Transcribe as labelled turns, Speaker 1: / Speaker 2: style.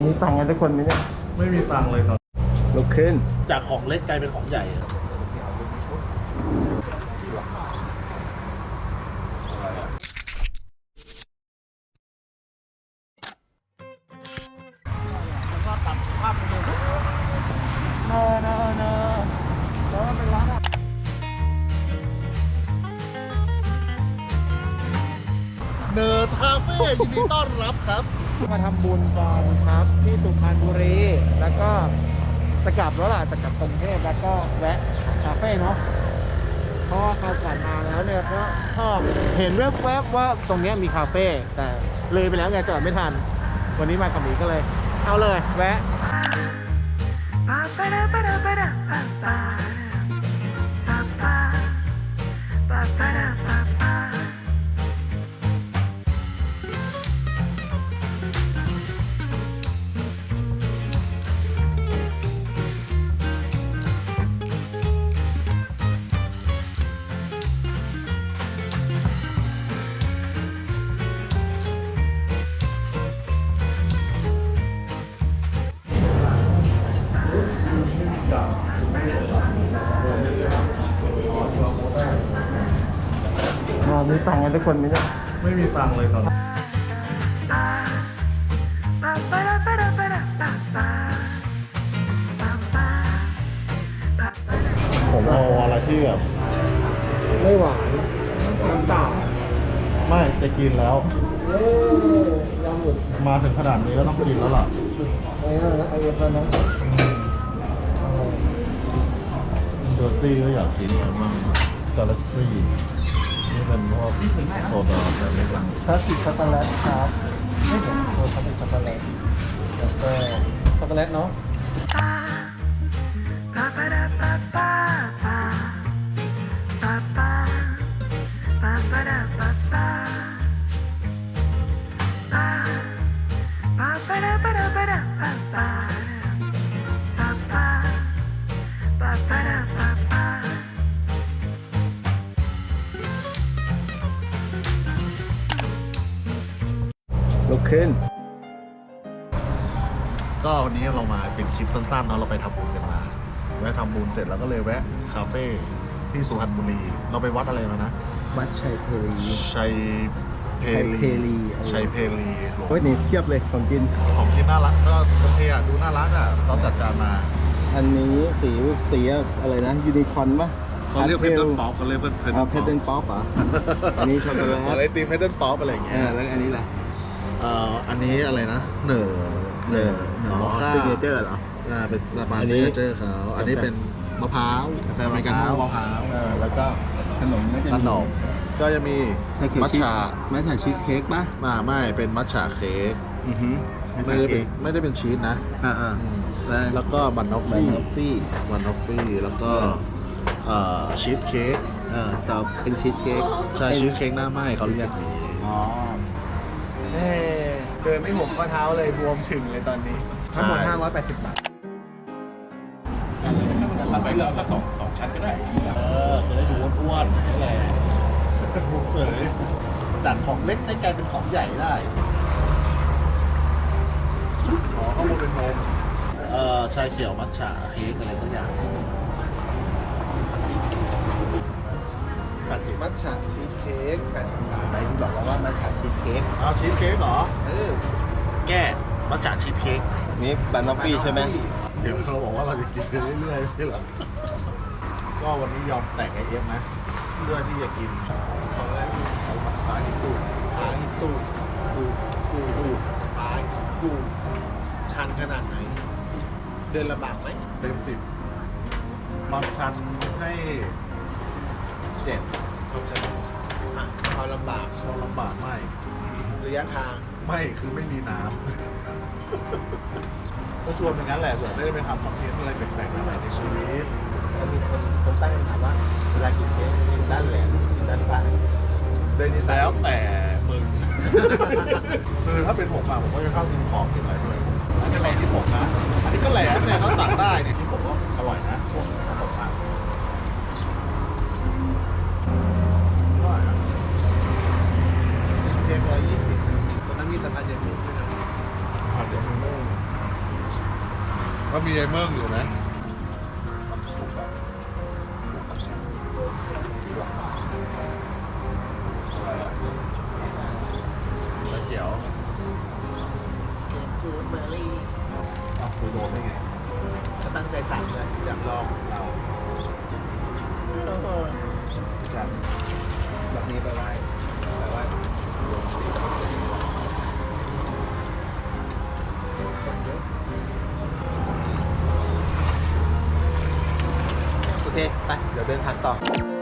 Speaker 1: มีตังค์กันทุกคนไหมเนี่ย
Speaker 2: ไม่มีตังค์เลยตอน
Speaker 1: ลุกขึ้น
Speaker 2: จากของเล็กกลายเป็นของใหญ่แล้วก็ตัดภาพไปเลยเนอะแล้วมันเป็นร้านเนิร์ดคาเฟ่ยินดีต้อนรับครับ
Speaker 1: มาทำบุญกันครับที่สุพรรณบุรีแล้วก็จะกลับแล้วล่ะจะกลับกรุงเทพแล้วก็แวะคาเฟ่เนาะเพราะว่าเขากลับมาแล้วเนี่ยก็ชอบเห็นแวบๆว่าตรงนี้มีคาเฟ่แต่เลยไปแล้วไงจอดไม่ทันวันนี้มากับหมีก็เลยเอาเลยแวะมีตังค์กันทุกคนไหมเนี่ย
Speaker 2: ไม่มีตังค์เลยตอนผมเอาอะไรที่แบบ
Speaker 1: ไม่หวานน้ำเปล่า
Speaker 2: ไม่จะกินแล้ว
Speaker 1: ยำหมุด
Speaker 2: มาถึงขนาดนี้ก็ต้องกินแล้วล่ะ
Speaker 1: ไอ้นั่นนะไอ้เย็นนะ
Speaker 2: เดอร์ตี้ก็อยากกินมั่งกาแล็กซี่นี่เป็นพวกโซดาแบบนี้บ้าง
Speaker 1: คลาสสิกช็อกโกแลตครับไม่เห็นคลาสสิกช็อกโกแลตแล้วก็ช็อกโกแลตเนาะลุกขึ้น
Speaker 2: ก็วันนี้เรามาเป็นคลิปสั้นๆเนาะเราไปทำบุญกันมาแวะทำบุญเสร็จแล้วก็เลยแวะคาเฟ่ที่สุพรรณบุรีเราไปวัดอะไรมานะ
Speaker 1: วัดชัยเพลี
Speaker 2: ชัยเพลี
Speaker 1: โอ้ยนี่เทียบเลยของกิน
Speaker 2: น่ารักก็โอเคอ่ะดูน่ารักอ่ะเขาจัดการมา
Speaker 1: อันนี้สีอะไรนะยูนิคอร์นปะ
Speaker 2: เขาเรียกเพชรเดิลป๊อปเขาเรียกเพชร
Speaker 1: เดิลป๊อปอ่ะอันนี้ช็อกโกแลต
Speaker 2: อะไรตีเพชรเดิลป๊อปอะไรอย่างเงี้ย
Speaker 1: แล้วอันนี้แหละ
Speaker 2: อันนี้อะไรนะเหนือมอคค่า
Speaker 1: ซิกเนเจอร์เหรอ
Speaker 2: เป็นสปาซิกเนเจอร์เขาอันนี้เป็นมะพร้าวอเมริกาโน่มะพร้าว
Speaker 1: แล้วก็ขนม
Speaker 2: ก็จะมี
Speaker 1: มัทฉะชีสเค้กป่ะ
Speaker 2: ไม่เป็นมัทฉะเค้กไม่ได้เป็นชีสนะแล้วก็บันนอฟฟี่แล้วก็ชีสเค้ก
Speaker 1: ต่อเป็นชีสเค้ก
Speaker 2: ใช่ชีสเค้กหน้าไหม้เขาเรียกอย่างนี้
Speaker 1: เดินไม่ห่วงข้อเท้าเลยบวมฉึ่งเลยตอนนี้ทั้งหมด580 บาท
Speaker 2: มันไปเอาสักสองชั้นก็ได้จะได้ดูอ้วนๆนี่แหละบุกเสยจากของเล็กให้กลายเป็นของใหญ่ได้ข้างบนเป็นนมชาเขียวมัทฉะเค้กอะไรสักอย่าง
Speaker 1: มัทฉะชีสเค้ก80 บาทไหนคุณบอกแล้วว่ามัทฉะชีสเค้ก
Speaker 2: ชีสเค้กเหรอแก้มัทฉะชีสเค้ก
Speaker 1: นี่บันนอฟฟี่ใช่ไหม
Speaker 2: เดี๋ยวเราบอกว่าเราจะกินไปเรื่อยๆไม่เหรอก็วันนี้ยอมแตกไอเอ็มนะเพื่อที่จะกินของอะไรเอาปลาหินตูด
Speaker 1: กูชันขนาดไหนเดินลำบากไหม
Speaker 2: เต็ม10ความชันให้7
Speaker 1: ความชันความลำบาก
Speaker 2: ไม่
Speaker 1: ระยะทาง
Speaker 2: ไม่คือไม่มีน้ำก็ชวนอย่างนั้นแหละเผื่อได้ไปทำคอนเทนต์อะไรแปลกๆใหม่ในชีวิต
Speaker 1: ก็มีคนตั้งคำถามว่าเวลากินเค้กกินด้านแหลมกินด้านปลาย
Speaker 2: เดินแล้วแต่มึงคือถ้าเป็นผมผมก็จะชอบกินของกินอะไรด้วยอันนี้อะไรที่ผมนะอันนี้ก็แหลมเนี่ยเขาตัดได้เนี่ยที่ผมว่าอร่อยนะพวกขนมมาก
Speaker 1: เค้ก120ตอนนั้นมีสะพานเย็นมุกด้วยนะ
Speaker 2: สะพานเย็นมุกก็มีไอ้เมิ่งอยู่ไหมตะเขียว
Speaker 3: กูดเบอร์รี่
Speaker 2: อ้าวคุยโดนได้ไง
Speaker 3: ก็ตั้งใจตักเลยอยากลอง
Speaker 2: เราจัด
Speaker 3: แบบนี้ไปไหว้โอเค ไป เดี๋ยวเดินทางต่อ